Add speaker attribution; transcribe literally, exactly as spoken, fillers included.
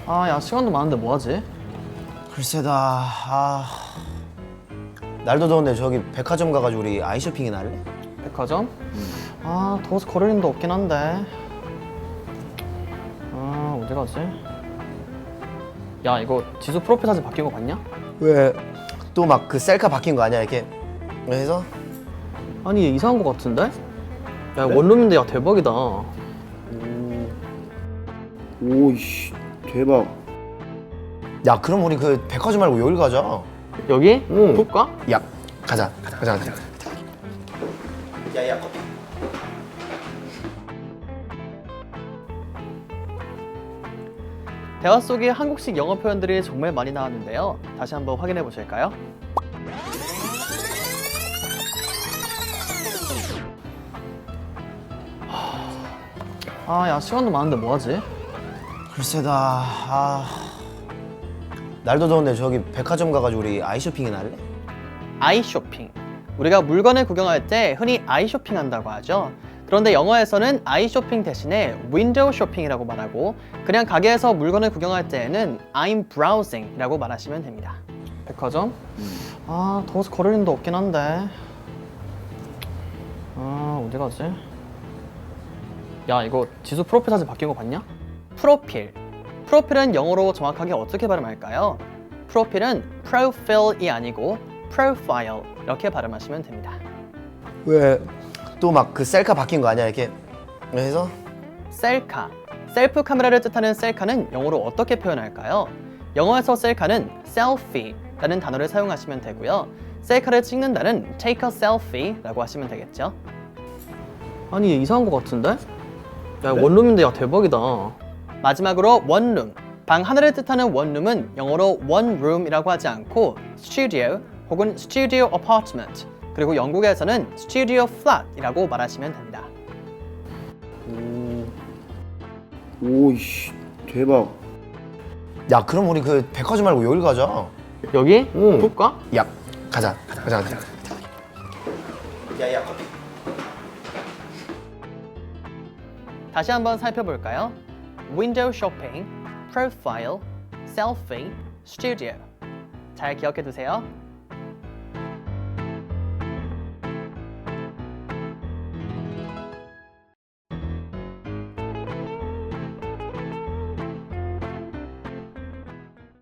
Speaker 1: 아, 야, 시간도 많은데 뭐 하지?
Speaker 2: 글쎄다. 아, 날도 더운데 저기 백화점 가가지고 우리 아이 쇼핑이나 할래?
Speaker 1: 백화점? 아, 더워서 걸을 힘도 없긴 한데. 아, 어디 가지? 야, 이거 지수 프로필 사진 바뀐 거 봤냐?
Speaker 2: 왜? 또 막 그 셀카 바뀐 거 아니야 이렇게? 그래서?
Speaker 1: 아니, 얘 이상한 거 같은데? 야, 원룸인데 야, 대박이다.
Speaker 3: 오이씨 대박.
Speaker 2: 야, 그럼 우리 그 백화점 말고 여길 가자.
Speaker 1: 여기?
Speaker 2: 응.
Speaker 1: 볼까?
Speaker 2: 야, 가자. 가자, 가자, 가자. 야, 야, 커피.
Speaker 1: 대화 속에 한국식 영어 표현들이 정말 많이 나왔는데요. 다시 한번 확인해 보실까요? 아, 야, 시간도 많은데 뭐 하지?
Speaker 2: 글쎄다. 아, 날도 더운데 저기 백화점 가가지고 우리 아이 쇼핑이나 할래?
Speaker 1: 아이 쇼핑. 우리가 물건을 구경할 때 흔히 아이 쇼핑 한다고 하죠. 그런데 영어에서는 아이 쇼핑 대신에 윈도우 쇼핑이라고 말하고, 그냥 가게에서 물건을 구경할 때에는 I'm browsing 이라고 말하시면 됩니다. 백화점? 아, 더워서 걸을 힘도 없긴 한데. 아, 어디 가지? 야, 이거 지수 프로필 사진 바뀐 거 봤냐? 프로필. 프로필은 영어로 정확하게 어떻게 발음할까요? 프로필은 profile이 아니고 profile 이렇게 발음하시면 됩니다.
Speaker 2: 왜? 또 막 그 셀카 바뀐 거 아니야 이렇게? 그래서?
Speaker 1: 셀카. 셀프 카메라를 뜻하는 셀카는 영어로 어떻게 표현할까요? 영어에서 셀카는 selfie라는 단어를 사용하시면 되고요. 셀카를 찍는다는 take a selfie라고 하시면 되겠죠. 아니, 얘 이상한 거 같은데? 야,
Speaker 2: 그래?
Speaker 1: 원룸인데 야, 대박이다. 마지막으로 원룸. 방 하나를 뜻하는 원룸은 영어로 one room이라고 하지 않고 studio 혹은 studio apartment, 그리고 영국에서는 studio flat이라고 말하시면 됩니다.
Speaker 3: 오이씨 대박.
Speaker 2: 야, 그럼 우리 그 백화점 말고 여길 가자.
Speaker 1: 여기?
Speaker 2: 응.
Speaker 1: 볼까?
Speaker 2: 야, 가자. 가자, 가자, 가자. 야, 야, 커피.
Speaker 1: 다시 한번 살펴볼까요? 윈도우 쇼핑, 프로파일, 셀피, 스튜디오. 잘 기억해 두세요.